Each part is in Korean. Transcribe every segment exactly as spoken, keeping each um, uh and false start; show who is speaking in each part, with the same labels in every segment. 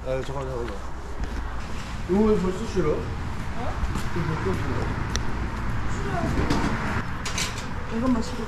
Speaker 1: 아 잠깐 잠깐. 이거 왜 벌써 싫어? 어? 이거 벌써 싫어?
Speaker 2: 이것만 싫어.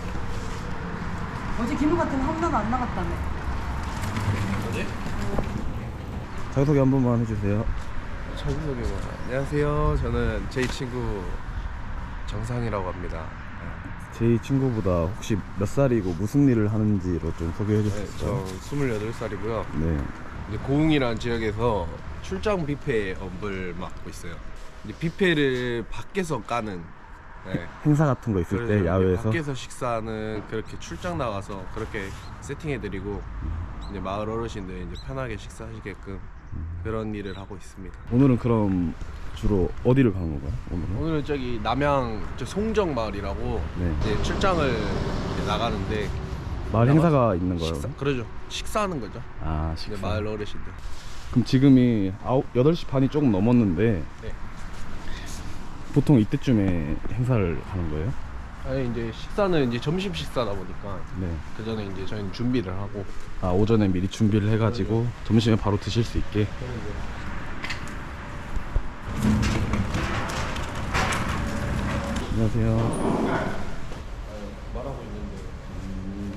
Speaker 2: 어제 김우 같은 홈런 안 나갔다며.
Speaker 1: 뭐지?
Speaker 3: 자기소개 한 번만 해주세요.
Speaker 1: 자기소개만. 안녕하세요. 저는 제 친구 정상이라고 합니다.
Speaker 3: 제 친구보다 혹시 몇 살이고 무슨 일을 하는지로 좀 소개해
Speaker 1: 네,
Speaker 3: 주실까요?
Speaker 1: 저 스물여덟 살이고요.
Speaker 3: 네.
Speaker 1: 이제 고흥이라는 지역에서 출장 뷔페 업을 맡고 있어요. 이제 뷔페를 밖에서 까는 네.
Speaker 3: 행사 같은 거 있을 때
Speaker 1: 그래서
Speaker 3: 야외에서
Speaker 1: 밖에서 식사는 그렇게 출장 나가서 그렇게 세팅해드리고 이제 마을 어르신들 이제 편하게 식사하시게끔 그런 일을 하고 있습니다.
Speaker 3: 오늘은 그럼 주로 어디를 가는 건가요? 오늘은?
Speaker 1: 오늘은 저기 남양 저 송정 마을이라고
Speaker 3: 네.
Speaker 1: 이제 출장을 이제 나가는데
Speaker 3: 마을
Speaker 1: 나가서
Speaker 3: 행사가 있는 거예요?
Speaker 1: 식사, 그러죠. 식사하는 거죠.
Speaker 3: 아,
Speaker 1: 이제
Speaker 3: 식사.
Speaker 1: 마을 어르신들.
Speaker 3: 그럼 지금이 아홉, 여덟 시 반이 조금 넘었는데
Speaker 1: 네.
Speaker 3: 보통 이때쯤에 행사를 하는 거예요?
Speaker 1: 아니 이제 식사는 이제 점심 식사다 보니까
Speaker 3: 네.
Speaker 1: 그 전에 이제 저희는 준비를 하고.
Speaker 3: 아, 오전에 미리 준비를 해가지고 점심에 바로 드실 수 있게. 안녕하세요.
Speaker 1: 말하고 있는데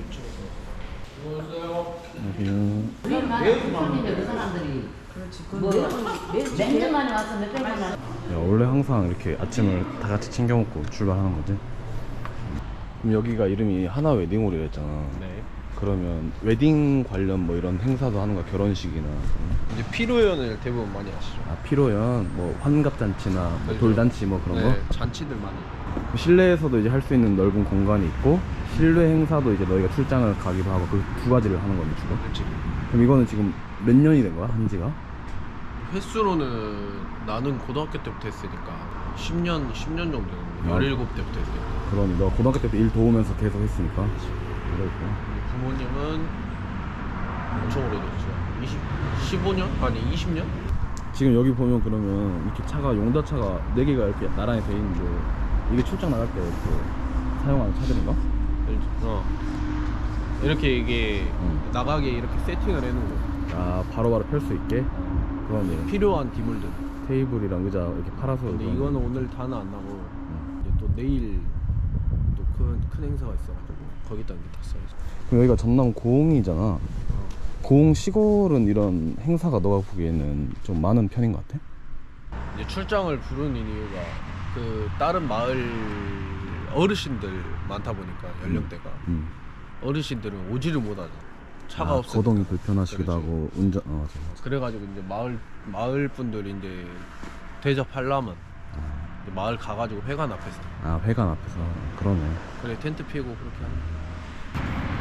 Speaker 3: 안녕하세요.
Speaker 4: 매일 손님들 그 사람들이
Speaker 2: 그렇지.
Speaker 4: 뭐 몇 년 만에 와서 몇백 년 만에
Speaker 3: 야, 원래 항상 이렇게 아침을 다 같이 챙겨 먹고 출발하는 거지? 그럼 여기가 이름이 하나 웨딩홀이라 했잖아.
Speaker 1: 네.
Speaker 3: 그러면 웨딩 관련 뭐 이런 행사도 하는 거야? 결혼식이나 그런?
Speaker 1: 이제 피로연을 대부분 많이 하시죠.
Speaker 3: 아, 피로연, 뭐 환갑잔치나 뭐
Speaker 1: 그렇죠.
Speaker 3: 돌잔치 뭐 그런
Speaker 1: 네,
Speaker 3: 거?
Speaker 1: 잔치들 많이.
Speaker 3: 그 실내에서도 이제 할 수 있는 넓은 공간이 있고 실내 행사도 이제 너희가 출장을 가기도 하고 그 두 가지를 하는 거니 주로?
Speaker 1: 그렇지.
Speaker 3: 그럼 이거는 지금 몇 년이 된 거야? 한지가?
Speaker 1: 횟수로는 나는 고등학교 때부터 했으니까 십 년, 십 년 정도 됐는데
Speaker 3: 아.
Speaker 1: 열일곱 때부터 했으니까.
Speaker 3: 그럼 너 고등학교 때부터 일 도우면서 계속 했으니까 그랬구나.
Speaker 1: 우리 부모님은 엄청 오래됐죠. 이십, 십오 년? 아니 이십 년?
Speaker 3: 지금 여기 보면 그러면 이렇게 차가 용달차가 네 개가 이렇게 나란히 돼 있는데 이게 출장 나갈 때 이렇게 사용하는 차들인가?
Speaker 1: 어. 이렇게 이게
Speaker 3: 응.
Speaker 1: 나가게 이렇게 세팅을 해놓은 거.
Speaker 3: 아, 바로바로 펼 수 있게? 그러네.
Speaker 1: 필요한 디물들.
Speaker 3: 테이블이랑 의자 이렇게 팔아서.
Speaker 1: 근데
Speaker 3: 그러네.
Speaker 1: 이거는 오늘 다는 안 나고 이제 또 내일 또 큰 큰 행사가 있어가지고 거기다 이제 다 써야지.
Speaker 3: 그럼 여기가 전남 고흥이잖아.
Speaker 1: 어.
Speaker 3: 고흥 시골은 이런 행사가 너가 보기에는 좀 많은 편인 것 같아?
Speaker 1: 이제 출장을 부르는 이유가 그 다른 마을 어르신들 많다 보니까 연령대가
Speaker 3: 음.
Speaker 1: 어르신들은 오지를 못하죠. 차가
Speaker 3: 아,
Speaker 1: 없어서.
Speaker 3: 거동이 불편하시기도
Speaker 1: 그렇지.
Speaker 3: 하고 운전 어, 맞아, 맞아.
Speaker 1: 그래가지고 이제 마을 마을 분들이 이제 대접하려면 이제 마을 가가지고 회관 앞에서
Speaker 3: 아, 회관 앞에서. 그러네.
Speaker 1: 그래 텐트 피고 그렇게 하는 거야.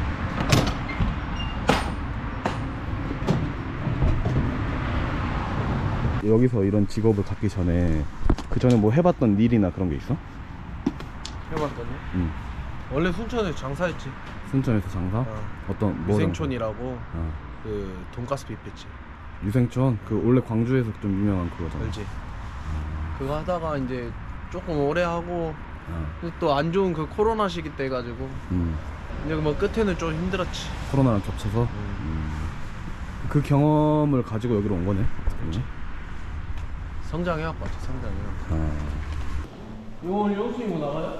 Speaker 3: 여기서 이런 직업을 갖기 전에 그 전에 뭐 해봤던 일이나 그런 게 있어?
Speaker 1: 해봤더니
Speaker 3: 응.
Speaker 1: 원래 순천에서 장사했지.
Speaker 3: 순천에서 장사?
Speaker 1: 어.
Speaker 3: 어떤 뭐
Speaker 1: 유생촌이라고
Speaker 3: 어.
Speaker 1: 그 돈가스 뷔페집
Speaker 3: 유생촌? 그 원래 광주에서 좀 유명한 그거잖아.
Speaker 1: 알지? 그거 하다가 이제 조금 오래 하고
Speaker 3: 어.
Speaker 1: 또 안 좋은 그 코로나 시기 때 가지고
Speaker 3: 음.
Speaker 1: 이제 뭐 끝에는 좀 힘들었지.
Speaker 3: 코로나랑 겹쳐서 음. 그 경험을 가지고 여기로 온 거네.
Speaker 1: 그렇지. 성장해갖고 왔지. 성장해갖고.
Speaker 3: 아.
Speaker 1: 이거 오늘 영수님 뭐 나가요?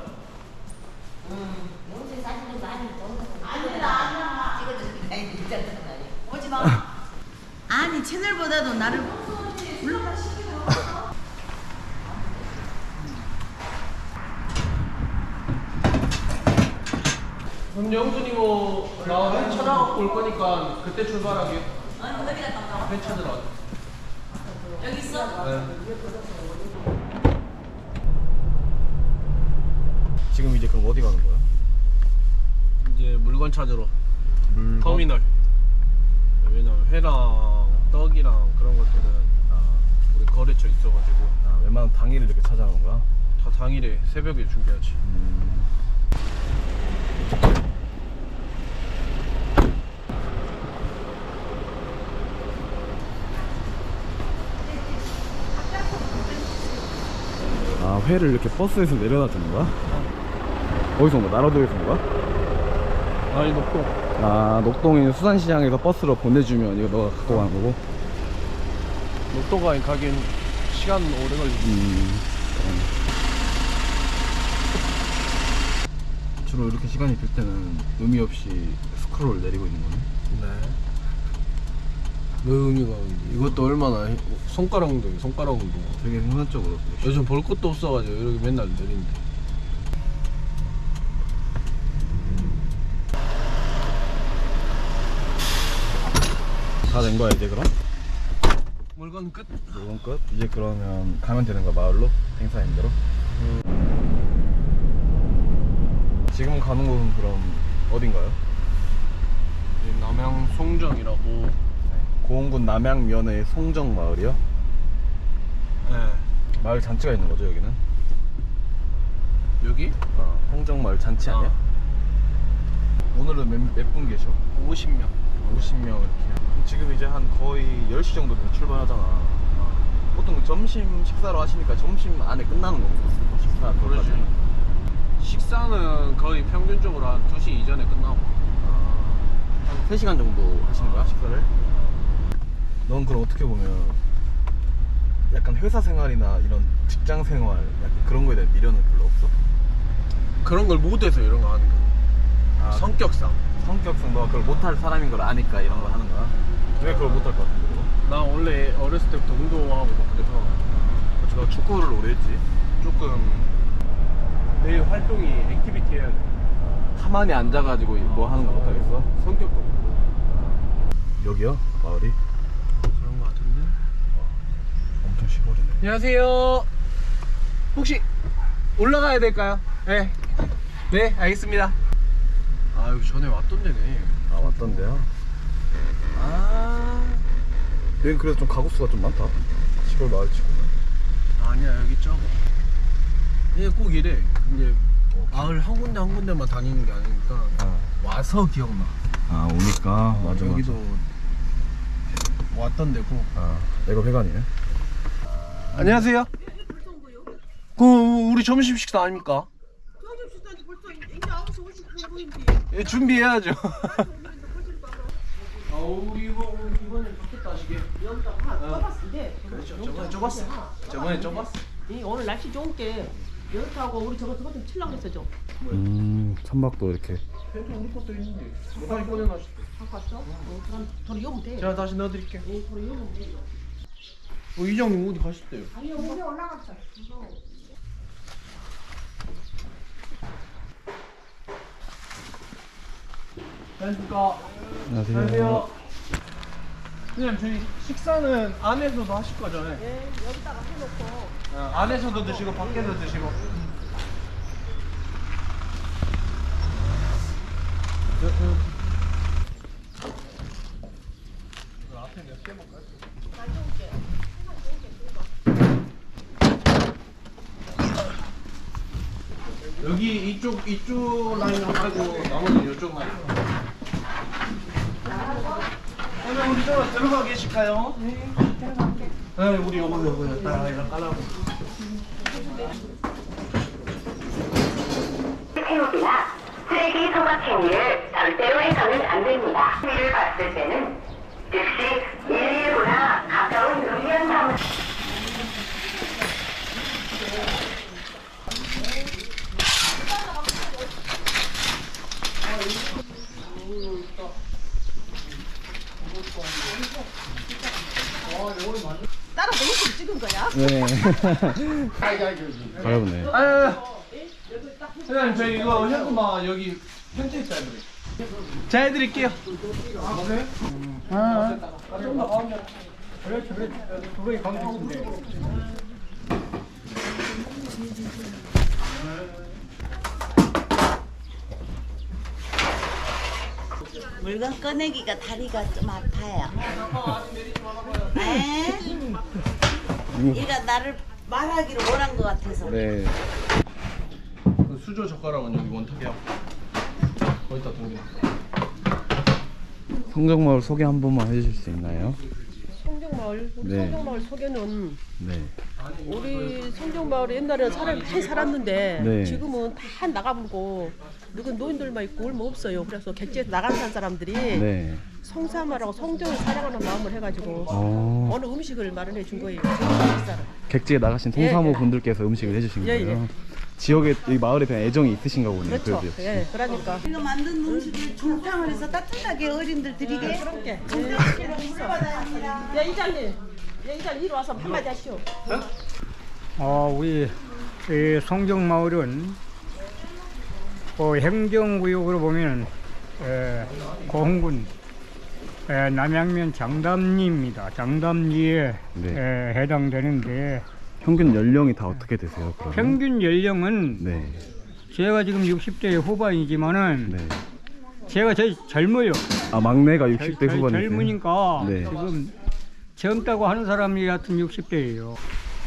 Speaker 4: 요새 사실은 많이 아니다 찍어주니까 진짜
Speaker 2: 오지 마. 아니 채널보다도 나를 올라가 시키고.
Speaker 1: 그럼 영수님 뭐 나회 찾아갖고 올 거니까 그때 출발하게.
Speaker 2: 아니 어디 갔다 왔다?
Speaker 1: 회 찾으러.
Speaker 2: 여기 있어?
Speaker 1: 네.
Speaker 3: 지금 이제 그럼 어디 가는 거야?
Speaker 1: 이제 물건 찾으러
Speaker 3: 물건?
Speaker 1: 터미널. 왜냐면 회랑 떡이랑 그런 것들은
Speaker 3: 아,
Speaker 1: 우리 거래처 있어가지고
Speaker 3: 아, 웬만하면 당일을 이렇게 찾아가는 거야?
Speaker 1: 다 당일에 새벽에 준비하지.
Speaker 3: 음. 아, 회를 이렇게 버스에서 내려다 주는 거야? 어디서 온 거야? 나라도에서 온 거야?
Speaker 1: 아니 녹동.
Speaker 3: 아, 녹동에 수산시장에서 버스로 보내주면 이거 너가 갖고 가는 거고?
Speaker 1: 녹동강에 가긴 시간 오래 걸리지.
Speaker 3: 음. 주로 이렇게 시간이 들 때는 의미 없이 스크롤 내리고 있는 거네.
Speaker 1: 네. 왜 의미가 없는지. 이것도 얼마나 히- 손가락 운동이 손가락 운동.
Speaker 3: 되게 순간적으로.
Speaker 1: 요즘 볼 것도 없어가지고 이렇게 맨날 내린대.
Speaker 3: 다 된 거야 이제 그럼?
Speaker 1: 물건 끝.
Speaker 3: 이건 끝? 이제 그러면 가면 되는 거야 마을로? 행사인 대로? 지금 가는 곳은 그럼 어딘가요?
Speaker 1: 이 남양 송정이라고.
Speaker 3: 고흥군 남양면의 송정 마을이요?
Speaker 1: 네.
Speaker 3: 마을 잔치가 있는 거죠 여기는?
Speaker 1: 여기
Speaker 3: 어, 송정 마을 잔치 아니야? 오늘은 몇 분 계셔?
Speaker 1: 오십 명.
Speaker 3: 오십 명 이렇게. 지금 이제 한 거의 열 시 정도 돼서 출발하잖아. 보통 점심 식사로 하시니까 점심 안에 끝나는 건가? 식사
Speaker 1: 그러지.
Speaker 3: 그거까지.
Speaker 1: 식사는 거의 평균적으로 한 두 시 이전에 끝나고.
Speaker 3: 한 세 시간 정도 하시는 거야 식사를? 넌 그럼 어떻게 보면 약간 회사 생활이나 이런 직장 생활 약간 그런 거에 대한 미련은 별로 없어?
Speaker 1: 그런 걸 못해서 이런 거 하는 거야.
Speaker 3: 아,
Speaker 1: 성격상.
Speaker 3: 성격상 너가 그걸 못할 사람인 걸 아니까 이런 걸 하는 거야? 왜 그걸 못할 것 같은데 그거?
Speaker 1: 나 원래 어렸을 때부터 운동하고 막 그래서
Speaker 3: 그렇지 너 축구를 오래 했지?
Speaker 1: 조금 내 활동이 액티비티 해야 돼.
Speaker 3: 가만히 앉아가지고 뭐 하는 거 못하겠어?
Speaker 1: 성격도 그렇고.
Speaker 3: 여기요? 마을이?
Speaker 1: 그런 거 같은데.
Speaker 3: 엄청 시골이네.
Speaker 1: 안녕하세요. 혹시 올라가야 될까요? 네. 네, 알겠습니다. 아, 여기 전에 왔던 데네.
Speaker 3: 아 왔던데요?
Speaker 1: 아,
Speaker 3: 여긴 그래도 좀 가구수가 좀 많다 시골 마을 치고는.
Speaker 1: 아니야, 여기 적어. 이게 꼭 이래. 이제
Speaker 3: 어,
Speaker 1: 마을 한 군데 한 군데만 다니는 게 아니니까
Speaker 3: 아,
Speaker 1: 와서 기억나.
Speaker 3: 아 오니까 맞아
Speaker 1: 여기도
Speaker 3: 맞아.
Speaker 1: 왔던 데고.
Speaker 3: 아 내가 회관이네.
Speaker 1: 안녕하세요. 그 우리 점심 식사 아닙니까? 예, 준비해야죠. 아, 우리 이거 이번에 바뀌었다 하시게.
Speaker 2: 좁았는데.
Speaker 1: 그렇죠. 저번에 좁았어. 저번에 좁았어.
Speaker 2: 이 오늘 날씨 좋은 게 여기하고 우리 저거 저거 좀 칠랑 했어 좀.
Speaker 3: 음 천막도 이렇게.
Speaker 1: 펜트 우리 것도 있는데. 뭐 다시 꺼내놨어.
Speaker 2: 갖고 왔어? 어, 그럼 도로 여면 돼.
Speaker 1: 제가 다시 넣어드릴게요.
Speaker 2: 예, 도로 여면 돼.
Speaker 1: 어, 이장님 어디 가셨대요?
Speaker 2: 아니, 여기 올라갔어.
Speaker 1: 안녕하십니까.
Speaker 3: 안녕하세요.
Speaker 1: 안녕하세요. 그냥 저희 식사는 안에서도 하실 거죠? 네.
Speaker 2: 예, 여기다가 해놓고.
Speaker 1: 어, 안에서도 드시고 밖에서 드시고. 저, 저. 이거 앞에 몇 개 먹을까요? 여기 이쪽 이쪽 라인으로 하고 나머지 이쪽 라인. 그러면 우리 좀 들어가 계실까요? 네, 들어갈게. 네, 우리 요거 요거 딱 이렇게 깔라고.
Speaker 5: 행위나 쓰레기 소각 행위를 절대로 해서는 안 됩니다. 행위를 봤을 때는 즉시 일일구나 가까운 의견 사무
Speaker 2: 따라 내일 찍은 거야?
Speaker 3: 네. 가려보네.
Speaker 1: 아유, 사장님 저희 이거 현금아 여기 현재 있다 해드릴게요. 자 해드릴게요. 아 그래? 아, 좀더 가운데. 그래 그래. 그거에 가운데 있는데.
Speaker 4: 물건 꺼내기가 다리가 좀 아파요. 에? 얘가 나를 말하기를 원한 것 같아서.
Speaker 3: 네.
Speaker 1: 그 수저 젓가락은 여기 원탁이야. 거기다 동전.
Speaker 3: 성정마을 소개 한 번만 해주실 수 있나요?
Speaker 2: 송정마을 성정마을 우리
Speaker 3: 네.
Speaker 2: 성정마을 소개는
Speaker 3: 네.
Speaker 2: 우리 성정마을에 옛날에는 사람이 많이 살았는데
Speaker 3: 네.
Speaker 2: 지금은 다 나가버리고 늙은 노인들만 있고 얼마 없어요. 그래서 객지에서 나간 산 사람들이
Speaker 3: 네.
Speaker 2: 성삼하라고 성정을 사랑하는 마음을 해가지고
Speaker 3: 어.
Speaker 2: 어느 음식을 마련해 준 거예요. 식사를.
Speaker 3: 객지에 나가신
Speaker 2: 예,
Speaker 3: 송사모
Speaker 2: 예.
Speaker 3: 분들께서 음식을 해주신
Speaker 2: 예,
Speaker 3: 거예요. 지역에 이 마을에 대한 애정이 있으신가 보네요.
Speaker 2: 그렇죠.
Speaker 3: 그래도 역시.
Speaker 2: 예, 그러니까.
Speaker 4: 이거 만든 음식을 중탕을 해서 따뜻하게 어린들 드리게.
Speaker 2: 그렇게.
Speaker 4: 중탕식으로 받아야
Speaker 2: 야 이장님, 야 이장 이리 와서 한마디 하시오.
Speaker 6: 어, 우리 이 송정마을은 그 행정구역으로 보면 에, 고흥군 에, 남양면 장담리입니다. 장담리에
Speaker 3: 네.
Speaker 6: 에, 해당되는데
Speaker 3: 평균 연령이 다 어떻게 되세요? 그러면?
Speaker 6: 평균 연령은
Speaker 3: 네.
Speaker 6: 제가 지금 육십 대 후반이지만은
Speaker 3: 네.
Speaker 6: 제가 제일 젊어요.
Speaker 3: 아 막내가 육십 대
Speaker 6: 젊-
Speaker 3: 후반이세요?
Speaker 6: 젊으니까
Speaker 3: 네.
Speaker 6: 지금 젊다고 하는 사람이 같은 육십 대예요.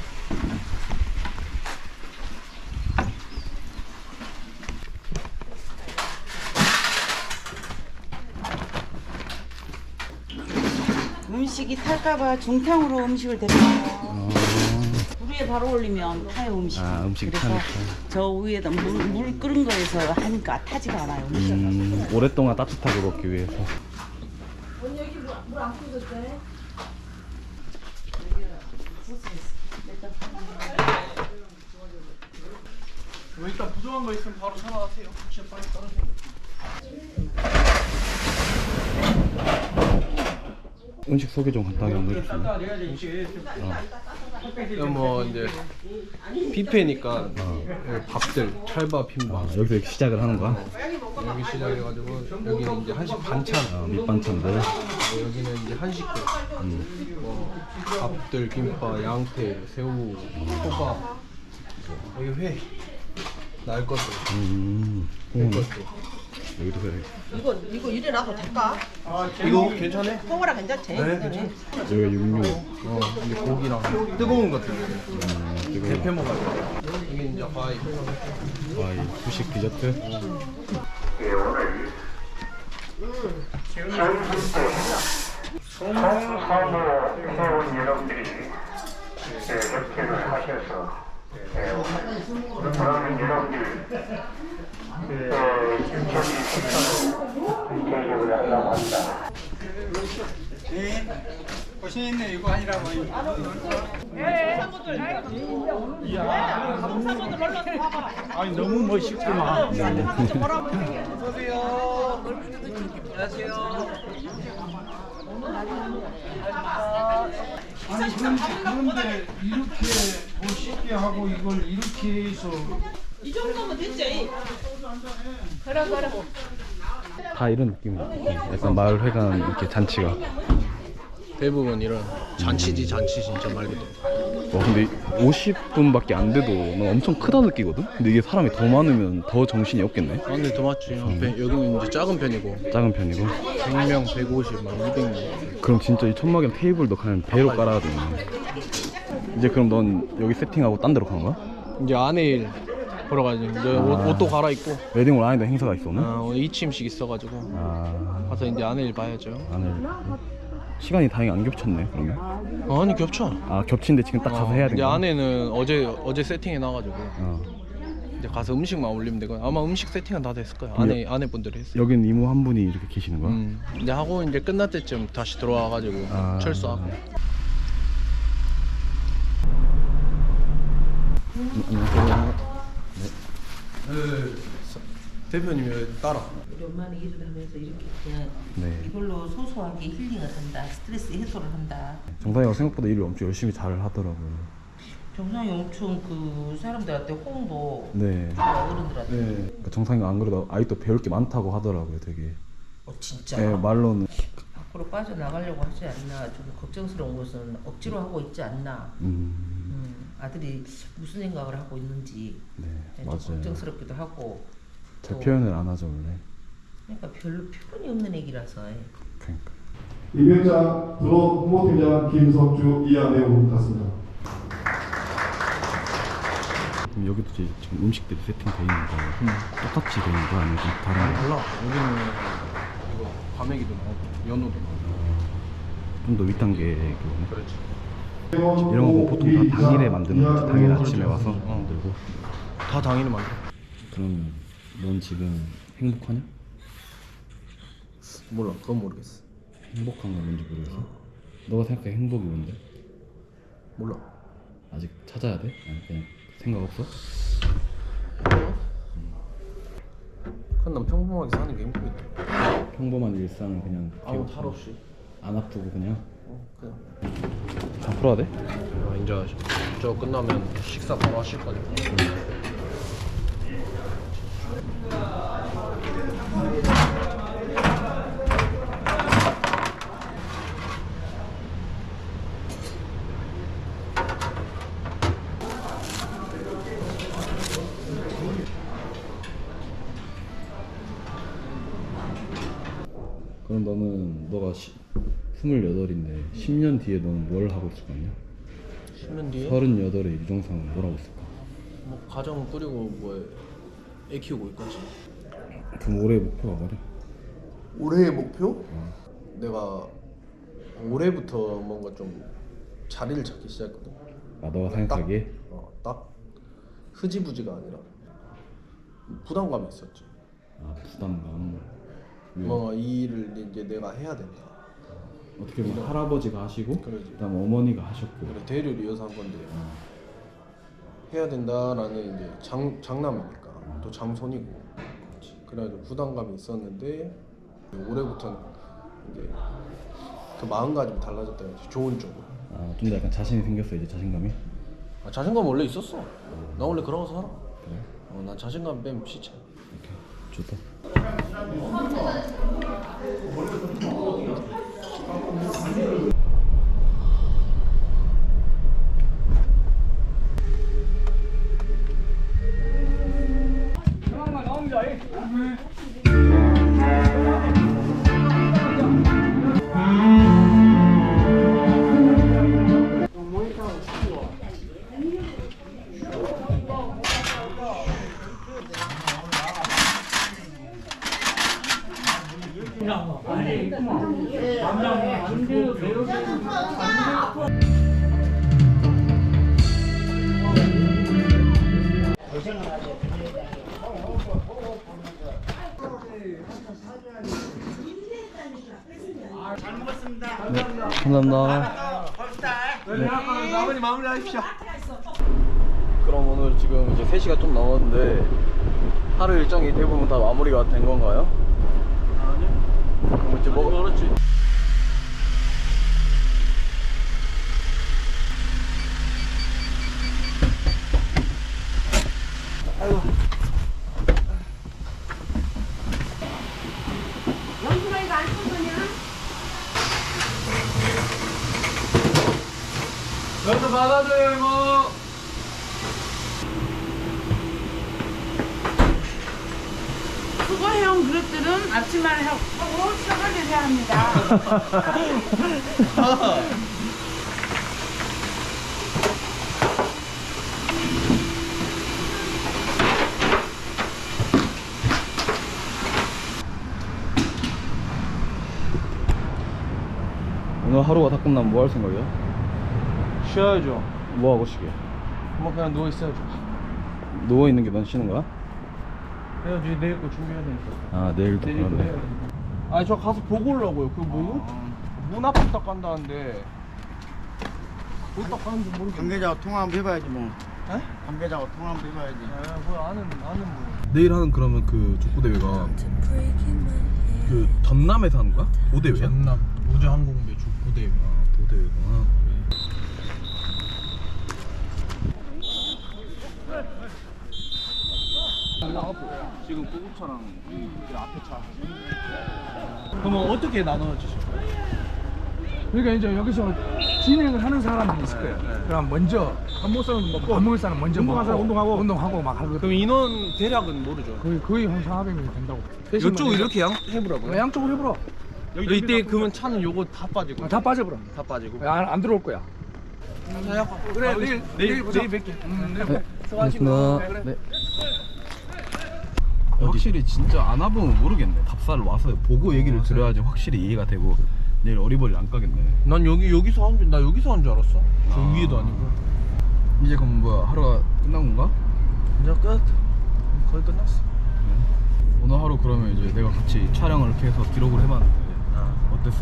Speaker 4: 음식이 탈까봐 중탕으로 음식을 데려요. 물 위에 바로 올리면 타요 음식이.
Speaker 3: 아, 음식이
Speaker 4: 그래서
Speaker 3: 타니까.
Speaker 4: 저 위에다 물, 물 끓은 거에서 하니까 타지가 않아요. 음식이.
Speaker 3: 음, 오랫동안 따뜻하게 먹기 위해서.
Speaker 1: 뭐 일단 부족한 거 있으면 바로 전화하세요. 혹시 빨리 떨어지면.
Speaker 3: 음식 소개 좀 간단하게 한번 해주세요.
Speaker 7: 뭐 이제 뷔페니까 밥들 찰밥 흰밥
Speaker 3: 아, 여기서 이렇게 시작을 하는 거야?
Speaker 7: 여기 시작해가지고 여기는 이제 한식 반찬
Speaker 3: 아, 밑반찬들.
Speaker 7: 뭐 여기는 이제 한식들 뭐 밥들 김밥 양태 새우 호박 여기 회 날 것들
Speaker 3: 음,
Speaker 7: 회
Speaker 3: 음.
Speaker 7: 것들
Speaker 3: 여기도 그래.
Speaker 2: 이거 이거 이래 놔도 될까?
Speaker 7: 이거 괜찮아?
Speaker 2: 통화라 괜찮지?
Speaker 7: 네 괜찮아
Speaker 3: 여기가 육류.
Speaker 7: 어 이제 고기랑 뜨거운 것들
Speaker 3: 음,
Speaker 7: 대패 먹어야 돼 이게 이제 과일
Speaker 3: 와, 이 후식 디저트.
Speaker 8: 송사모 회원 여러분들이 협회를 하셔서 그러면 여러분들 저기 식사로 계획을 하려고 한다.
Speaker 6: 고생했네 이거 아니라고. 아니 너무 멋있구만.
Speaker 9: 아니 그런데, 그런데 이렇게 멋있게 하고 이걸 이렇게 해서
Speaker 2: 이 정도면 됐지. 그래 그래.
Speaker 3: 다 이런 느낌이야. 약간 마을 회관 이렇게 잔치가.
Speaker 7: 대부분 이런 잔치지 잔치 진짜 말 그대로
Speaker 3: 와, 근데 오십 분밖에 안 돼도 난 엄청 크다 느끼거든? 근데 이게 사람이 더 많으면 더 정신이 없겠네?
Speaker 7: 아, 근데 더 맞지. 여기는 이제 작은 편이고
Speaker 3: 작은 편이고.
Speaker 7: 백 명, 백오십, 막 이백 명.
Speaker 3: 그럼 진짜 이 천막이랑 테이블도 그냥 배로 깔아야 되네. 이제 그럼 넌 여기 세팅하고 딴 데로 가는 거야?
Speaker 7: 이제 안에 일 보러 가지. 이제 옷, 옷도 갈아입고.
Speaker 3: 웨딩홀 안에도 행사가 있어 오늘?
Speaker 7: 아, 오늘 이침식 있어가지고
Speaker 3: 아,
Speaker 7: 가서 이제 안에 일 봐야죠.
Speaker 3: 안에 시간이 다행히 안 겹쳤네 그러면.
Speaker 7: 아니 겹쳐.
Speaker 3: 아, 겹친데 지금 딱 가서
Speaker 7: 어,
Speaker 3: 해야
Speaker 7: 이제
Speaker 3: 되는 거야?
Speaker 7: 안에는 어제 어제 세팅해 놔가지고
Speaker 3: 어.
Speaker 7: 이제 가서 음식만 올리면 되고 아마 음식 세팅은 다 됐을 거야. 안에 아내 분들이 했어.
Speaker 3: 여긴 이모 한 분이 이렇게 계시는 거야?
Speaker 7: 음. 이제 하고 이제 끝날 때쯤 다시 들어와가지고
Speaker 3: 아.
Speaker 7: 철수하고.
Speaker 3: 음, 안녕하세요.
Speaker 7: 대표님이 따라.
Speaker 4: 우리 엄마는 일을 하면서 이렇게 그냥
Speaker 3: 네.
Speaker 4: 이걸로 소소하게 힐링을 한다. 스트레스 해소를 한다.
Speaker 3: 정상이가 생각보다 일을 엄청 열심히 잘 하더라고요.
Speaker 4: 정상이 엄청 그 사람들한테 홍보
Speaker 3: 네.
Speaker 4: 어른들한테.
Speaker 3: 네. 그러니까 정상이가 안 그래도 아직도 배울 게 많다고 하더라고요, 되게.
Speaker 4: 어 진짜.
Speaker 3: 네, 말로는.
Speaker 4: 밖으로 빠져나가려고 하지 않나. 좀 걱정스러운 것은 억지로 하고 있지 않나.
Speaker 3: 음,
Speaker 4: 음, 아들이 무슨 생각을 하고 있는지
Speaker 3: 네,
Speaker 4: 좀
Speaker 3: 맞아요.
Speaker 4: 걱정스럽기도 하고.
Speaker 3: 잘
Speaker 4: 또
Speaker 3: 표현을 안 하죠, 원래.
Speaker 4: 그러니까 별로 표현이 없는 애기라서.
Speaker 3: 그러니까.
Speaker 10: 이병장 브로 홍보팀장 김석주 이하내우 같습니다.
Speaker 3: 그럼 여기도 이제 지금 음식들이 세팅돼 있는 거 똑같이 돼 있는 거 아니면 좀 다른 거?
Speaker 7: 몰라. 여기는 이거 과메기도 나오고 연어도 나오고.
Speaker 3: 좀 더 윗단계
Speaker 7: 그렇지.
Speaker 3: 이런 거 보통 다 당일에 만드는 거지. 당일 아침에 와서 만들고.
Speaker 7: 다 당일에 만들어.
Speaker 3: 그럼 넌 지금 행복하냐?
Speaker 7: 몰라, 그건 모르겠어.
Speaker 3: 행복한 건 뭔지 모르겠어. 너가 생각해 행복이 뭔데?
Speaker 7: 몰라.
Speaker 3: 아직 찾아야 돼? 아니 그냥 생각 없어?
Speaker 7: 그건 난 평범하게 사는 게 행복이다.
Speaker 3: 평범한 일상은 그냥
Speaker 7: 아무
Speaker 3: 기억-
Speaker 7: 탈 없이.
Speaker 3: 안 아프고 그냥
Speaker 7: 어, 그냥.
Speaker 3: 다 풀어야 돼?
Speaker 7: 아, 이제 저 끝나면 식사 바로 하실 거니까.
Speaker 3: 그럼 너는 너가 시, 스물여덟인데 십 년 뒤에 너는 뭘 하고 있을 거 아니야?
Speaker 7: 십 년 뒤에
Speaker 3: 서른여덟의 유정상은 뭘 하고 있을까?
Speaker 7: 뭐 가정 꾸리고 뭐 애 키우고 있겠지.
Speaker 3: 그럼 올해 목표가 뭐냐?
Speaker 7: 올해의 목표? 내가 올해부터 뭔가 좀 자리를 찾기 시작했거든.
Speaker 3: 아 너가 생각하기에?
Speaker 7: 어, 딱 흐지부지가 아니라 부담감이 있었지.
Speaker 3: 아 부담감. 왜?
Speaker 7: 뭔가 이 일을 이제 내가 해야 된다.
Speaker 3: 어떻게 보면 할아버지가 하시고
Speaker 7: 그러지.
Speaker 3: 그다음 어머니가 하셨고
Speaker 7: 그래, 대를 이어서 한 건데 해야 된다라는 이제 장 장남이니까 또 장손이고 그래가지고 부담감이 있었는데 올해부터는 이제 그 마음가짐이 달라졌다 해야지. 좋은 쪽으로.
Speaker 3: 아좀 더 약간 자신이 생겼어 이제 자신감이?
Speaker 7: 아, 자신감 원래 있었어. 나 원래 그러고 살아.
Speaker 3: 그래?
Speaker 7: 어, 난 자신감 빼면 시체.
Speaker 3: 오케이 좋다. 네, 감사합니다.
Speaker 1: 네. 아버님 마무리하십시오.
Speaker 3: 그럼 오늘 지금 이제 세 시가 좀 넘었는데 하루 일정이 대부분 다 마무리가 된 건가요? 아니요. 그럼 이제 뭐
Speaker 1: 그렇지. 여기서 받아줘요 이모.
Speaker 4: 수거해온 그릇들은 앞치마를 하고 수거를 해야 합니다.
Speaker 3: 오늘 하루가 다 끝나면 뭐 할 생각이야?
Speaker 1: 쉬어야죠.
Speaker 3: 뭐 하고 쉬게?
Speaker 1: 뭐 그냥 누워 있어야죠.
Speaker 3: 누워 있는 게 넌 쉬는 거야?
Speaker 1: 해야지. 내일 거 준비해야 되니까.
Speaker 3: 아 내일도
Speaker 1: 내일 거
Speaker 3: 그러네.
Speaker 1: 해야지. 아니 저 가서 보고 오려고요. 그 뭐? 문 앞에 딱 간다는데. 어디 딱 가는지 모르겠네.
Speaker 9: 관계자하고 통화 한번 해봐야지 뭐.
Speaker 1: 에?
Speaker 9: 관계자하고 통화 한번 해봐야지.
Speaker 1: 아, 뭐 아는 아는 분.
Speaker 3: 내일 하는 그러면 그 족구 대회가 그 전남에서 하는 거야? 보대회야?
Speaker 7: 전남 우주항공배 족구대회.
Speaker 3: 아 보대회구나.
Speaker 1: 지금 구급차랑 이 앞에 차. 그러면 어떻게 나눠주실 거예요?
Speaker 9: 그러니까 이제 여기서 진행을 하는 사람들이 있을 거예요. 그럼 먼저 밥 먹을 사람 먹고 밥 먹을 사람 먼저
Speaker 1: 운동하는 사람 운동하고.
Speaker 9: 운동하고 막 하거든.
Speaker 1: 그럼 인원 대략은 모르죠.
Speaker 9: 거의 거의 한 사백 명이 된다고.
Speaker 1: 이쪽 이렇게 양 해보라고요?
Speaker 9: 양쪽으로 해보라.
Speaker 1: 이때 그러면 차는 요거 다 빠지고.
Speaker 9: 아, 다 빠져버려.
Speaker 1: 다 빠지고.
Speaker 9: 안, 안 들어올 거야.
Speaker 1: 그래 내일 내일 보자. 내일 뵐게. 음, 내일 뵐게.
Speaker 3: 고맙습니다. 네. 확실히 진짜 안 와보면 모르겠네. 답사를 와서 보고 얘기를 들어야지 확실히 이해가 되고 내일 어리버리 안 까겠네.
Speaker 7: 난 여기 여기서 한 줄 나 여기서 한 줄 알았어. 저
Speaker 3: 아.
Speaker 7: 위에도 아니고.
Speaker 3: 이제 그럼 뭐야 하루가 끝난 건가?
Speaker 7: 이제 끝. 거의 끝났어.
Speaker 3: 오늘 하루 그러면 이제 내가 같이 촬영을 이렇게 해서 기록을 해봤는데
Speaker 7: 아,
Speaker 3: 어땠어?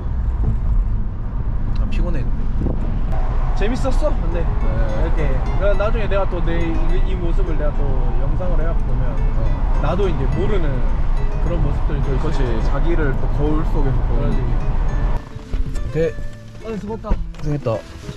Speaker 7: 아 피곤해. 재밌었어. 근데
Speaker 3: 네.
Speaker 7: 이렇게 그러니까 나중에 내가 또 내 이 모습을 내가 또 영상을 해갖고 보면
Speaker 3: 어.
Speaker 7: 나도 이제 모르는 그런 모습들이 또 있어.
Speaker 3: 그렇지. 자기를 또 거울 속에서 보는.
Speaker 7: 그래가지고.
Speaker 3: 오케이.
Speaker 7: 아, 수고했다.
Speaker 3: 고생했다.